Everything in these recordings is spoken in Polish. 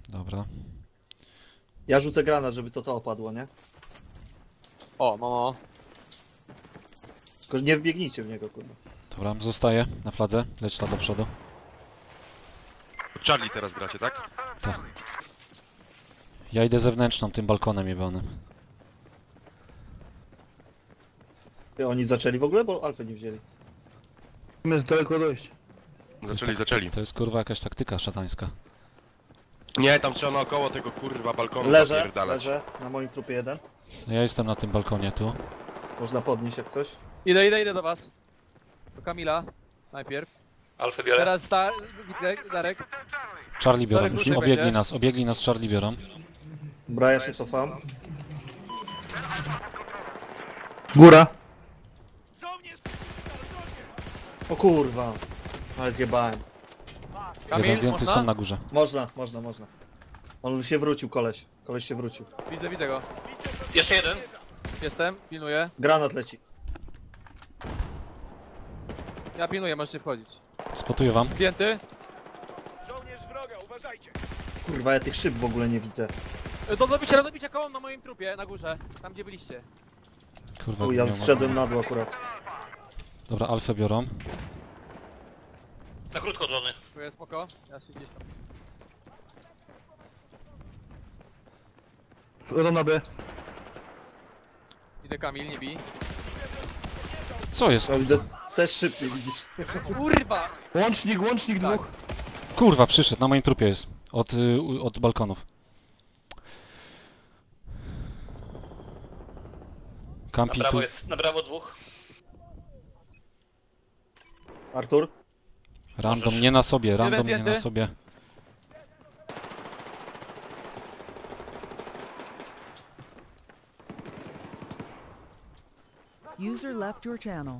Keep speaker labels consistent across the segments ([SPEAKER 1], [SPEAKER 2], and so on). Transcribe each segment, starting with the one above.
[SPEAKER 1] Dobra.
[SPEAKER 2] Ja rzucę granat, żeby to opadło, nie?
[SPEAKER 3] O, mamo.
[SPEAKER 2] Tylko nie wbiegnijcie w niego, kurwa.
[SPEAKER 1] Dobra, zostaję na fladze. Leć tam do przodu.
[SPEAKER 4] Charlie teraz gracie, tak?
[SPEAKER 1] Tak. Ja idę zewnętrzną, tym balkonem jebanym.
[SPEAKER 2] Ty, oni zaczęli w ogóle, bo alfę nie wzięli.
[SPEAKER 5] Jest daleko dojść.
[SPEAKER 4] Zaczęli.
[SPEAKER 1] To jest kurwa jakaś taktyka szatańska.
[SPEAKER 4] Nie, tam trzeba naokoło tego kurwa balkonu
[SPEAKER 2] Leżę,
[SPEAKER 4] napierdalać.
[SPEAKER 2] leżę, na moim trupie jeden.
[SPEAKER 1] No ja jestem na tym balkonie tu.
[SPEAKER 2] Można podnieść jak coś.
[SPEAKER 3] Idę do was. Do Kamila. Najpierw.
[SPEAKER 6] Alfę biorę.
[SPEAKER 3] Teraz Darek.
[SPEAKER 1] Charlie biorą,
[SPEAKER 3] Darek,
[SPEAKER 1] już
[SPEAKER 3] ruszaj będzie.
[SPEAKER 1] obiegli nas, Charlie biorą.
[SPEAKER 2] Dobra, ja się cofam.
[SPEAKER 5] Góra.
[SPEAKER 2] O kurwa. Ale zjebałem.
[SPEAKER 3] Kamil,
[SPEAKER 1] Jeden zdjęty
[SPEAKER 3] można?
[SPEAKER 1] są na górze.
[SPEAKER 2] Można. On się wrócił, koleś. Koleś się wrócił.
[SPEAKER 3] Widzę go.
[SPEAKER 6] Jeszcze jeden.
[SPEAKER 3] Jestem, pilnuję.
[SPEAKER 2] Granat leci.
[SPEAKER 3] Ja pilnuję, możecie wchodzić.
[SPEAKER 1] Spotuję wam.
[SPEAKER 3] Zdjęty.
[SPEAKER 2] Kurwa, ja tych szyb w ogóle nie widzę.
[SPEAKER 3] Do dobicia koło na moim trupie, na górze. Tam gdzie byliście.
[SPEAKER 1] Kurwa,
[SPEAKER 2] O, ja
[SPEAKER 1] miał-
[SPEAKER 2] wszedłem na dół akurat.
[SPEAKER 1] Dobra, Alfę biorą.
[SPEAKER 6] Na krótko drony.
[SPEAKER 3] Dziękuję, spoko. Ja się gdzieś tam.
[SPEAKER 5] Wchodzą na B.
[SPEAKER 3] Idę Kamil, nie bij.
[SPEAKER 1] Co jest?
[SPEAKER 2] Ja widzę też szybciej, widzisz.
[SPEAKER 3] Kurwa!
[SPEAKER 5] Łącznik
[SPEAKER 3] Tak.
[SPEAKER 5] dwóch.
[SPEAKER 1] Kurwa, przyszedł, na moim trupie jest. Od balkonów.
[SPEAKER 6] Na
[SPEAKER 1] Kampi tu.
[SPEAKER 6] prawo jest, na prawo dwóch.
[SPEAKER 2] Artur?
[SPEAKER 1] Random
[SPEAKER 6] Możesz.
[SPEAKER 1] nie na sobie, random nie
[SPEAKER 3] zdjęty.
[SPEAKER 1] na sobie.
[SPEAKER 7] User left your channel.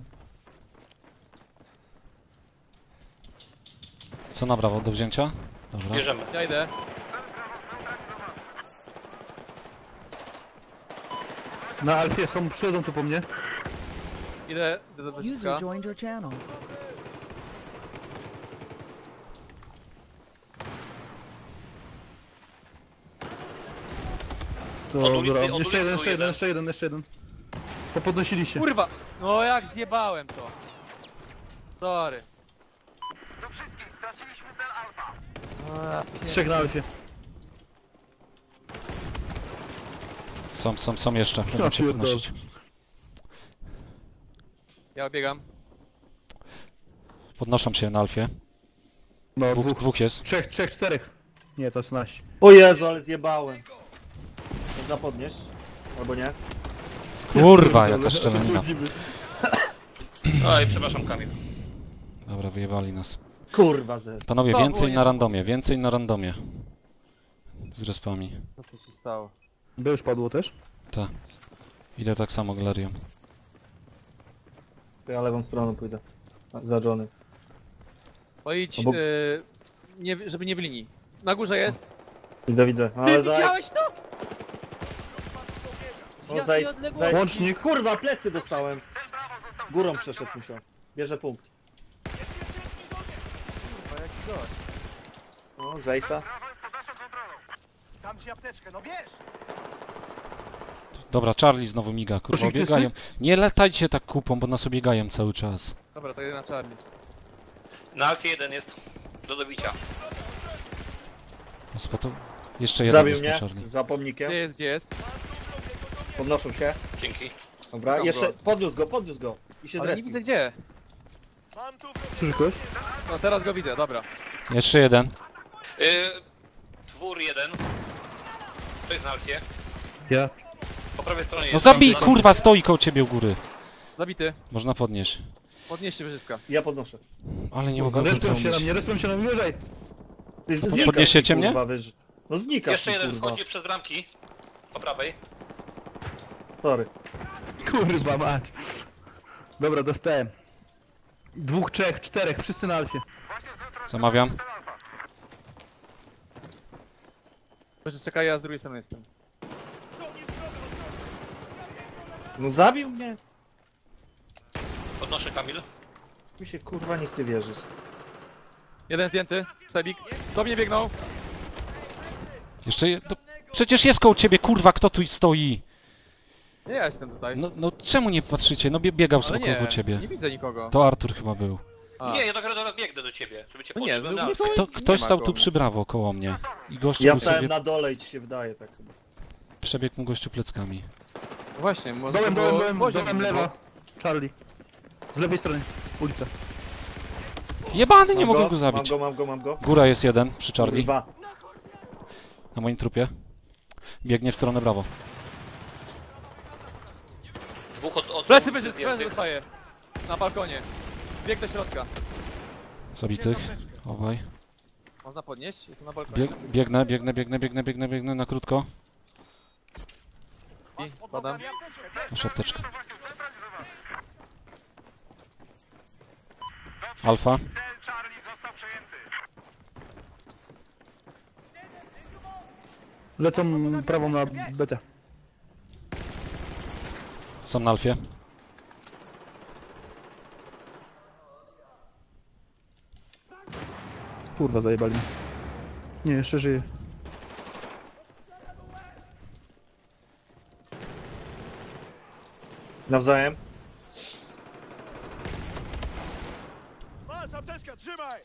[SPEAKER 1] Co na brawo, do wzięcia? Dobra.
[SPEAKER 6] Bierzemy.
[SPEAKER 3] Ja idę.
[SPEAKER 5] Na Alfie są, przychodzą tu po mnie.
[SPEAKER 3] Idę do
[SPEAKER 7] User
[SPEAKER 3] wyciska.
[SPEAKER 7] joined your channel.
[SPEAKER 5] Dobra,
[SPEAKER 6] Od ulicy
[SPEAKER 5] jeszcze jeden. Popodnosili się.
[SPEAKER 3] Kurwa! No jak zjebałem to. Sorry.
[SPEAKER 5] Trzech na Alfie.
[SPEAKER 1] Są jeszcze, będą się
[SPEAKER 5] pierdolę.
[SPEAKER 1] podnosić.
[SPEAKER 3] Ja obiegam.
[SPEAKER 1] Podnoszą się na Alfie.
[SPEAKER 5] No,
[SPEAKER 1] Dwóch jest.
[SPEAKER 5] Trzech, czterech. Nie, to jest nasi.
[SPEAKER 2] O Jezu, ale zjebałem. Można podnieść? Albo nie?
[SPEAKER 1] Kurwa, jaka szczelanina.
[SPEAKER 6] Oj, przepraszam Kamil.
[SPEAKER 1] Dobra, wyjebali nas.
[SPEAKER 2] Kurwa, że...
[SPEAKER 1] Panowie,
[SPEAKER 3] To
[SPEAKER 1] więcej
[SPEAKER 3] było
[SPEAKER 1] na randomie, więcej na randomie. Z respami.
[SPEAKER 3] Co się stało?
[SPEAKER 5] B już padło też?
[SPEAKER 1] Tak. Idę tak samo galerią.
[SPEAKER 2] To ja lewą stroną pójdę. Za Johnny.
[SPEAKER 3] Pojdź,
[SPEAKER 2] Obok-
[SPEAKER 3] nie, żeby nie w linii. Na górze jest.
[SPEAKER 2] Widzę.
[SPEAKER 3] Ty
[SPEAKER 2] Ale daj...
[SPEAKER 3] widziałeś to? Z
[SPEAKER 2] O,
[SPEAKER 3] jakiej
[SPEAKER 2] daj-
[SPEAKER 3] odległości?
[SPEAKER 5] Łącznik.
[SPEAKER 2] Kurwa, plecy dostałem. Górą przeszedł musiał. Bierze punkt.
[SPEAKER 3] Kurwa, jaki gość.
[SPEAKER 2] O, Zejsa.
[SPEAKER 8] Dam ci apteczkę, no bierz!
[SPEAKER 1] Dobra, Charlie znowu miga, kurwa,
[SPEAKER 5] Proszę,
[SPEAKER 1] biegają. Nie latajcie tak kupą, bo nas obiegają cały czas.
[SPEAKER 3] Dobra, to jeden na Charlie.
[SPEAKER 6] Na Alfie jeden jest. Do dobicia.
[SPEAKER 1] Spotu... Jeszcze jeden
[SPEAKER 2] Zabił
[SPEAKER 1] jest na
[SPEAKER 2] mnie.
[SPEAKER 1] Charlie.
[SPEAKER 2] Za pomnikiem.
[SPEAKER 3] Gdzie jest?
[SPEAKER 2] Podnoszą się.
[SPEAKER 6] Dzięki.
[SPEAKER 2] Dobra,
[SPEAKER 3] Dobra.
[SPEAKER 2] jeszcze podniósł go. I się
[SPEAKER 3] Ale nie
[SPEAKER 2] zrespił.
[SPEAKER 3] widzę gdzie.
[SPEAKER 8] Mam tu
[SPEAKER 5] Słyszy ktoś?
[SPEAKER 3] No teraz go widzę, dobra.
[SPEAKER 1] Jeszcze jeden.
[SPEAKER 6] Twór jeden. To jest na Alfie.
[SPEAKER 5] Ja.
[SPEAKER 6] Po prawej stronie
[SPEAKER 1] No
[SPEAKER 6] jest.
[SPEAKER 1] zabij,
[SPEAKER 6] Tam-
[SPEAKER 1] kurwa, stoi koło ciebie u góry.
[SPEAKER 3] Zabity.
[SPEAKER 1] Można podnieść.
[SPEAKER 3] Podnieście wyżyska.
[SPEAKER 2] Ja podnoszę.
[SPEAKER 1] Ale nie mogę
[SPEAKER 5] Respią się na mnie, wyżej.
[SPEAKER 2] Ty
[SPEAKER 1] to
[SPEAKER 2] znikasz,
[SPEAKER 1] podniesiecie
[SPEAKER 2] ty,
[SPEAKER 1] mnie?
[SPEAKER 2] kurwa, No znikasz,
[SPEAKER 6] Jeszcze
[SPEAKER 2] ty,
[SPEAKER 6] jeden
[SPEAKER 2] kurwa.
[SPEAKER 6] wchodzi przez bramki. Po prawej.
[SPEAKER 2] Sorry.
[SPEAKER 5] Kurwa mać. Dobra, dostałem. Dwóch, trzech, czterech, wszyscy na Alfie.
[SPEAKER 1] Zamawiam.
[SPEAKER 3] Może czekaj, ja z drugiej strony jestem.
[SPEAKER 2] No zabił mnie.
[SPEAKER 6] Podnoszę Kamil.
[SPEAKER 2] Mi się kurwa nie chce wierzyć.
[SPEAKER 3] Jeden zdjęty. Sebik. Do mnie biegnął.
[SPEAKER 1] Jeszcze... Przecież jest koło ciebie, kurwa, kto tu stoi?
[SPEAKER 3] Nie, ja jestem tutaj.
[SPEAKER 1] No czemu nie patrzycie? No biegał
[SPEAKER 3] ale
[SPEAKER 1] sobie
[SPEAKER 3] nie,
[SPEAKER 1] koło ciebie.
[SPEAKER 3] nie widzę nikogo.
[SPEAKER 1] To Artur chyba był.
[SPEAKER 3] A.
[SPEAKER 6] Nie, ja dopiero teraz biegnę do ciebie, żeby cię
[SPEAKER 3] No nie,
[SPEAKER 6] podnieść.
[SPEAKER 3] no,
[SPEAKER 6] Alfie.
[SPEAKER 1] Ktoś
[SPEAKER 3] ma
[SPEAKER 1] stał
[SPEAKER 3] koło
[SPEAKER 1] tu
[SPEAKER 3] mnie.
[SPEAKER 1] przy brawo koło mnie. I gościu
[SPEAKER 2] Ja
[SPEAKER 1] był
[SPEAKER 2] stałem
[SPEAKER 1] sobie...
[SPEAKER 2] na dole i ci się wydaje tak chyba.
[SPEAKER 1] Przebiegł mu gościu pleckami.
[SPEAKER 3] Właśnie, może
[SPEAKER 5] Dołem,
[SPEAKER 3] to było
[SPEAKER 5] dołem,
[SPEAKER 3] poziom
[SPEAKER 5] dołem,
[SPEAKER 3] było.
[SPEAKER 5] lewa. Charlie. Z lewej strony. Ulica.
[SPEAKER 1] Jebany, nie
[SPEAKER 2] Mam
[SPEAKER 1] mogę go zabić.
[SPEAKER 2] Mam go.
[SPEAKER 1] Góra jest jeden, przy Charlie.
[SPEAKER 2] Kurwa.
[SPEAKER 1] Na moim trupie. Biegnie w stronę brawo.
[SPEAKER 6] Dwóch od
[SPEAKER 3] Plecy będzie,
[SPEAKER 6] zdjętych.
[SPEAKER 3] dostaje. Na balkonie. Bieg do środka.
[SPEAKER 1] Zabitych. Obaj.
[SPEAKER 3] Można podnieść? Jestem na balkonie.
[SPEAKER 1] Biegnę na krótko.
[SPEAKER 3] I
[SPEAKER 8] Pod
[SPEAKER 3] padam.
[SPEAKER 8] nogami apteczkę, bierz.
[SPEAKER 1] Masz apteczkę. Alfa.
[SPEAKER 8] Cel Charlie został przejęty.
[SPEAKER 5] Lecą prawą na BT.
[SPEAKER 1] Są na Alfie.
[SPEAKER 5] Kurwa, zajebali mnie. Nie, jeszcze żyje.
[SPEAKER 2] Nawzajem.
[SPEAKER 8] Masz apteczkę, trzymaj!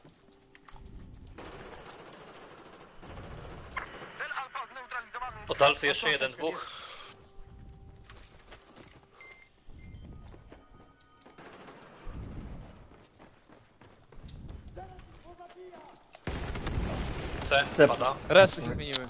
[SPEAKER 8] Cel Alfa zneutralizowany.
[SPEAKER 6] Od Alfy jeszcze jeden, dwóch. C,
[SPEAKER 2] C.
[SPEAKER 6] pada.
[SPEAKER 3] Reszty się zmieniły.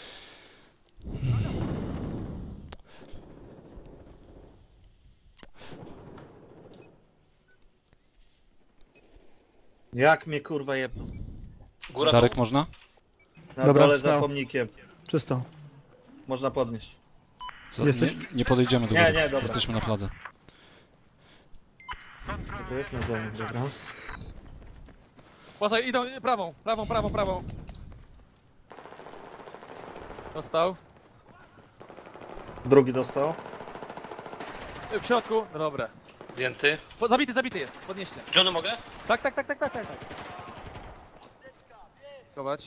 [SPEAKER 2] Jak mnie kurwa jebną.
[SPEAKER 6] Góra
[SPEAKER 1] Darek
[SPEAKER 6] dół.
[SPEAKER 1] można?
[SPEAKER 2] Na
[SPEAKER 5] Dobra,
[SPEAKER 2] dole za
[SPEAKER 5] śmiało.
[SPEAKER 2] pomnikiem.
[SPEAKER 5] Czysto.
[SPEAKER 2] Można podnieść.
[SPEAKER 5] Jesteś?
[SPEAKER 1] Nie podejdziemy do
[SPEAKER 2] Nie,
[SPEAKER 1] góry.
[SPEAKER 2] nie, dobra.
[SPEAKER 1] Jesteśmy na fladze.
[SPEAKER 2] To jest nawzajem, dobra.
[SPEAKER 3] Uważaj, idą prawą. Dostał.
[SPEAKER 2] Drugi dostał.
[SPEAKER 3] W środku. No dobra.
[SPEAKER 6] Zdjęty.
[SPEAKER 3] Zabity jest. Podnieście.
[SPEAKER 6] Johnny mogę?
[SPEAKER 3] Tak. Chować.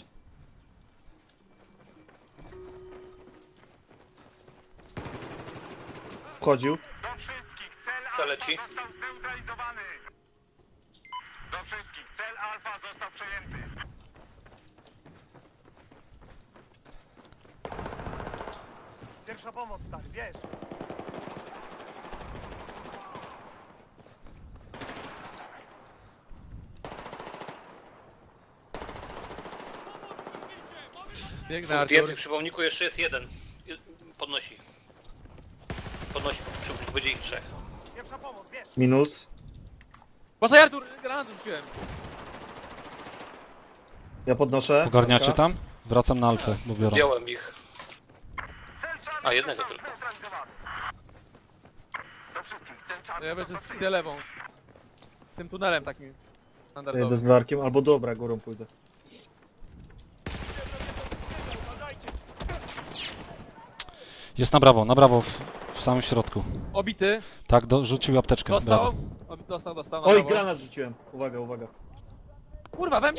[SPEAKER 2] Wchodził.
[SPEAKER 8] Do wszystkich, cel
[SPEAKER 6] C leci.
[SPEAKER 8] Alfa został zneutralizowany. Do wszystkich, cel Alfa został przejęty. Pierwsza pomoc, stary, wiesz.
[SPEAKER 3] Biegnę
[SPEAKER 6] Dwóch
[SPEAKER 3] Artur.
[SPEAKER 6] zdjętych przy pomniku, jeszcze jest jeden. Podnosi. Będzie ich trzech.
[SPEAKER 8] Pierwsza pomoc, wiesz.
[SPEAKER 2] Minus.
[SPEAKER 3] Uważaj Artur, granat rzuciłem.
[SPEAKER 2] Ja podnoszę.
[SPEAKER 1] Ogarniacie
[SPEAKER 2] Dobra.
[SPEAKER 1] tam? Wracam na Alfę, bo biorą.
[SPEAKER 6] Zdjąłem ich.
[SPEAKER 8] Cel Charlie
[SPEAKER 6] A, jednego
[SPEAKER 8] został
[SPEAKER 6] tylko.
[SPEAKER 8] zneutralizowany. Do wszystkich, cel Charlie
[SPEAKER 3] Ja będzie
[SPEAKER 8] został
[SPEAKER 3] idę lewą. Tym tunelem takim
[SPEAKER 2] Ja jedę z
[SPEAKER 3] standardowym.
[SPEAKER 2] Darkiem, albo dobra, górą pójdę.
[SPEAKER 1] Jest na brawo, w samym środku.
[SPEAKER 3] Obity.
[SPEAKER 1] Tak, rzucił apteczkę.
[SPEAKER 3] Dostał.
[SPEAKER 1] Brawo.
[SPEAKER 3] Dostał na
[SPEAKER 2] Oj,
[SPEAKER 3] prawo.
[SPEAKER 2] granat rzuciłem. Uwaga.
[SPEAKER 3] Kurwa, we mnie?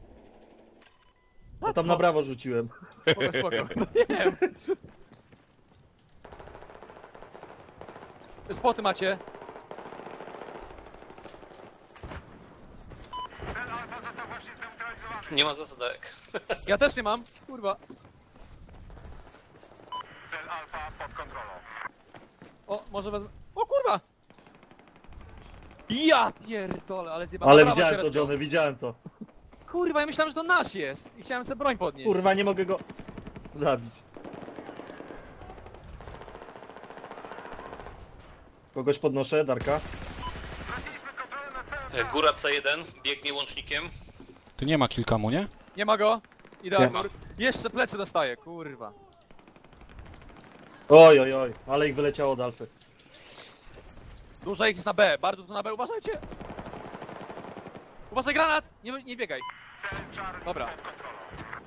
[SPEAKER 2] Ja tam na brawo rzuciłem.
[SPEAKER 3] Spoko. Nie wiem. Spoty macie.
[SPEAKER 8] Cel Alfa został właśnie zneutralizowany.
[SPEAKER 6] Nie ma zasadek.
[SPEAKER 3] Ja też nie mam. Kurwa.
[SPEAKER 8] Cel Alfa pod kontrolą.
[SPEAKER 3] O, może wezmę... O kurwa! Ja pierdolę, ale zjebałem.
[SPEAKER 2] Ale
[SPEAKER 3] Brawo się
[SPEAKER 2] widziałem to,
[SPEAKER 3] respią.
[SPEAKER 2] Johnny, widziałem to.
[SPEAKER 3] Kurwa, ja myślałem, że to nasz jest. I chciałem sobie broń podnieść.
[SPEAKER 2] Kurwa, nie mogę go zabić. Kogoś podnoszę, Darka.
[SPEAKER 8] Straciliśmy kontrolę nad celem.
[SPEAKER 6] Góra C1, biegnie łącznikiem.
[SPEAKER 1] Tu nie ma kilkamu, nie?
[SPEAKER 3] Nie ma go. Idę
[SPEAKER 2] Nie
[SPEAKER 3] Artur. Jeszcze plecy dostaję, kurwa.
[SPEAKER 2] Oj, ale ich wyleciało od Alfy.
[SPEAKER 3] Dużo ich jest na B, bardzo tu na B, uważajcie! Uważaj granat! Nie biegaj.
[SPEAKER 8] Cel Charlie
[SPEAKER 3] Dobra.
[SPEAKER 8] pod kontrolą.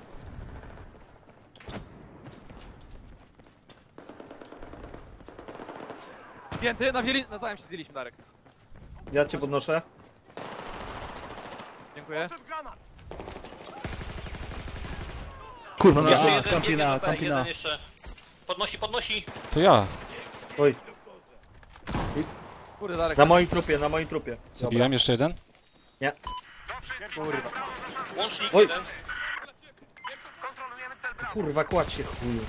[SPEAKER 3] Zdjęty, nawzajem się zdjęliśmy, Darek.
[SPEAKER 2] Ja cię podnoszę.
[SPEAKER 3] Dziękuję.
[SPEAKER 8] Poszedł granat.
[SPEAKER 5] Kurwa, no
[SPEAKER 6] Jeszcze
[SPEAKER 5] a,
[SPEAKER 6] jeden, biegnie
[SPEAKER 5] kampina,
[SPEAKER 6] do B,
[SPEAKER 5] kampina.
[SPEAKER 6] jeden jeszcze. Podnosi, podnosi.
[SPEAKER 1] To ja.
[SPEAKER 2] Oj,
[SPEAKER 3] Kurde, Darek.
[SPEAKER 2] na moim trupie, na moim trupie.
[SPEAKER 1] Zabiłem jeszcze jeden.
[SPEAKER 2] Nie.
[SPEAKER 3] Kurwa.
[SPEAKER 6] Łącznik
[SPEAKER 2] Oj.
[SPEAKER 6] jeden.
[SPEAKER 8] Kontrolujemy cel Bravo.
[SPEAKER 2] Kurwa, kładź się chuju.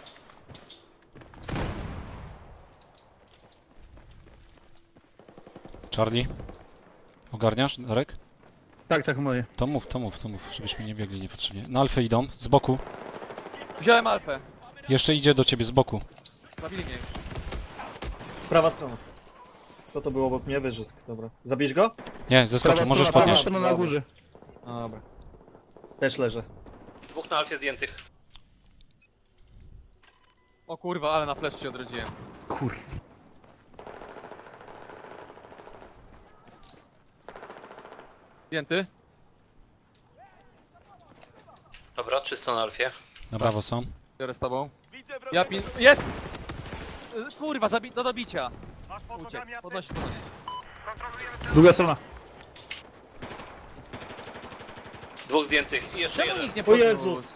[SPEAKER 1] Charlie. Ogarniasz, Darek?
[SPEAKER 5] Tak, tak, moje.
[SPEAKER 1] To mów, żebyśmy nie biegli niepotrzebnie. Na alfę idą, z boku.
[SPEAKER 3] Wziąłem alfę.
[SPEAKER 1] Jeszcze idzie do ciebie z boku.
[SPEAKER 3] Zabili mnie.
[SPEAKER 2] Prawa strona. Co to było obok mnie? Wyżysk, dobra. Zabierz go?
[SPEAKER 1] Nie, zeskoczył, możesz
[SPEAKER 5] prawa
[SPEAKER 1] podnieść.
[SPEAKER 5] strona na górze.
[SPEAKER 2] Dobra. Też leżę.
[SPEAKER 6] Dwóch na alfie zdjętych.
[SPEAKER 3] O kurwa, ale na flash się odrodziłem.
[SPEAKER 5] Kur...
[SPEAKER 3] Zdjęty?
[SPEAKER 6] Dobra, czysto na alfie.
[SPEAKER 1] Na brawo są.
[SPEAKER 3] Biorę z tobą.
[SPEAKER 8] Widzę
[SPEAKER 3] Ja
[SPEAKER 8] wroga.
[SPEAKER 3] Jest! Kurwa, do dobicia.
[SPEAKER 8] Masz pod
[SPEAKER 3] Uciekł.
[SPEAKER 8] nogami apteczkę.
[SPEAKER 3] Podnosi.
[SPEAKER 8] Kontrolujemy cel.
[SPEAKER 5] Druga strona.
[SPEAKER 6] Dwóch zdjętych i jeszcze
[SPEAKER 3] Czemu
[SPEAKER 6] jeden.
[SPEAKER 3] nikt nie
[SPEAKER 2] O
[SPEAKER 3] podniósł?
[SPEAKER 2] Jezu.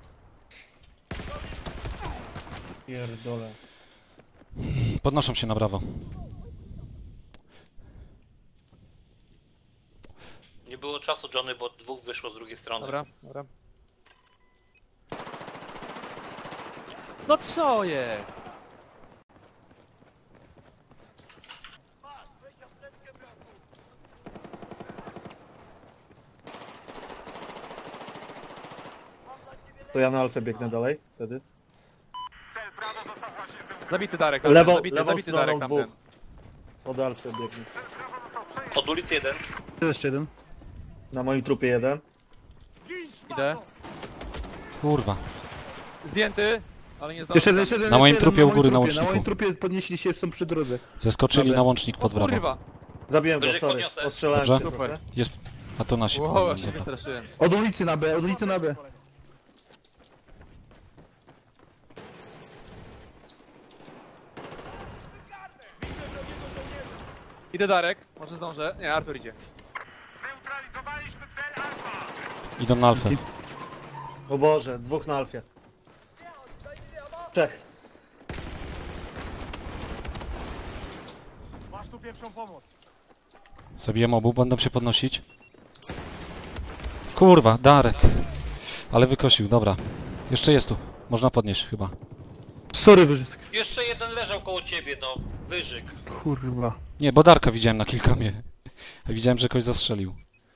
[SPEAKER 2] Pierdolę.
[SPEAKER 1] Podnoszą się na brawo.
[SPEAKER 6] Nie było czasu, Johnny, bo dwóch wyszło z drugiej strony.
[SPEAKER 3] Dobra, dobra. No co jest?
[SPEAKER 2] To ja na alfę biegnę dalej, wtedy.
[SPEAKER 8] Cel Bravo został właśnie zdemolowany.
[SPEAKER 3] Zabity Darek,
[SPEAKER 2] Lewą-
[SPEAKER 3] zabity,
[SPEAKER 2] lewą
[SPEAKER 3] zabity
[SPEAKER 2] stroną
[SPEAKER 3] Darek tamten.
[SPEAKER 2] dwóch. Od alfy biegnę.
[SPEAKER 8] Cel Bravo został przejęty.
[SPEAKER 6] Od ulicy jeden.
[SPEAKER 5] Jeszcze jeden.
[SPEAKER 2] Na moim trupie jeden.
[SPEAKER 3] Idę.
[SPEAKER 1] Kurwa.
[SPEAKER 3] Zdjęty, ale nie zdążył.
[SPEAKER 5] Jeszcze jeden, jeszcze jeden.
[SPEAKER 1] Na moim
[SPEAKER 5] jeszcze jeden,
[SPEAKER 1] trupie u góry na
[SPEAKER 5] Na
[SPEAKER 1] łączniku.
[SPEAKER 5] moim trupie podnieśli się, są przy drodze.
[SPEAKER 1] Zeskoczyli
[SPEAKER 5] Dobra.
[SPEAKER 1] na łącznik pod
[SPEAKER 3] O
[SPEAKER 1] brawo.
[SPEAKER 3] kurwa.
[SPEAKER 2] Zabiłem go,
[SPEAKER 6] Wyżyk
[SPEAKER 2] sorry.
[SPEAKER 6] podniosę.
[SPEAKER 2] Ostrzelałem
[SPEAKER 1] Dobrze.
[SPEAKER 2] się
[SPEAKER 3] Super.
[SPEAKER 2] trochę.
[SPEAKER 1] Jest... A to nasi.
[SPEAKER 3] Wow,
[SPEAKER 1] powinni,
[SPEAKER 3] aż się
[SPEAKER 1] dobra.
[SPEAKER 3] wystraszyłem.
[SPEAKER 5] Od ulicy na B, od ulicy na B.
[SPEAKER 3] Idę Darek, może zdążę. Nie, Artur idzie.
[SPEAKER 8] Zneutralizowaliśmy cel Alfa.
[SPEAKER 1] Idą na alfę.
[SPEAKER 2] O Boże, dwóch na alfie. Trzech.
[SPEAKER 8] Masz tu pierwszą pomoc.
[SPEAKER 1] Zabiłem obu, będą się podnosić. Kurwa, Darek. Ale wykosił, dobra. Jeszcze jest tu. Można podnieść chyba.
[SPEAKER 5] Sorry, wyżysk.
[SPEAKER 6] Jeszcze jeden leżał koło ciebie, no. Wyżyk.
[SPEAKER 5] Kurwa.
[SPEAKER 1] Nie, bo Darka widziałem na kilka mnie. Widziałem, że kogoś zastrzelił.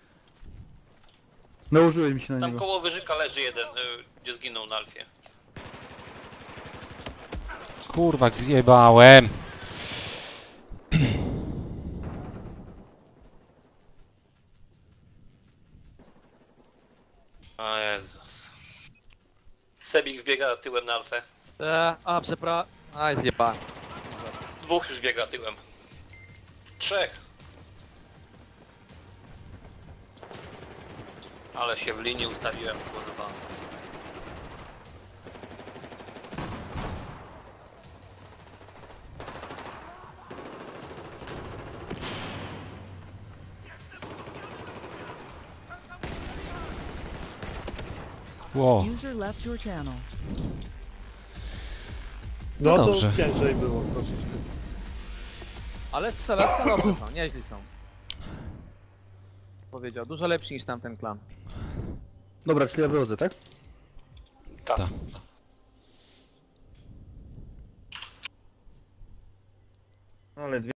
[SPEAKER 5] Nałożyłem się na
[SPEAKER 6] Tam
[SPEAKER 5] niego.
[SPEAKER 6] koło wyżyka leży jeden, gdzie zginął na alfie.
[SPEAKER 1] Kurwa, jak zjebałem.
[SPEAKER 6] O Jezus. Sebik wbiega tyłem na alfę.
[SPEAKER 3] Przepraszam. Aj, zjebałem.
[SPEAKER 6] Dwóch już biega tyłem. Trzech. Ale się w linii ustawiłem, kurwa.
[SPEAKER 1] Ło,
[SPEAKER 7] User left your channel.
[SPEAKER 2] No to
[SPEAKER 1] dobrze.
[SPEAKER 2] ciężej było troszeczkę.
[SPEAKER 3] Ale strzelecka dobrze są, nieźli są. Powiedział, dużo lepsi niż tamten klan.
[SPEAKER 5] Dobra, czyli ja wychodzę, tak?
[SPEAKER 6] Tak.
[SPEAKER 1] ta.
[SPEAKER 2] Ale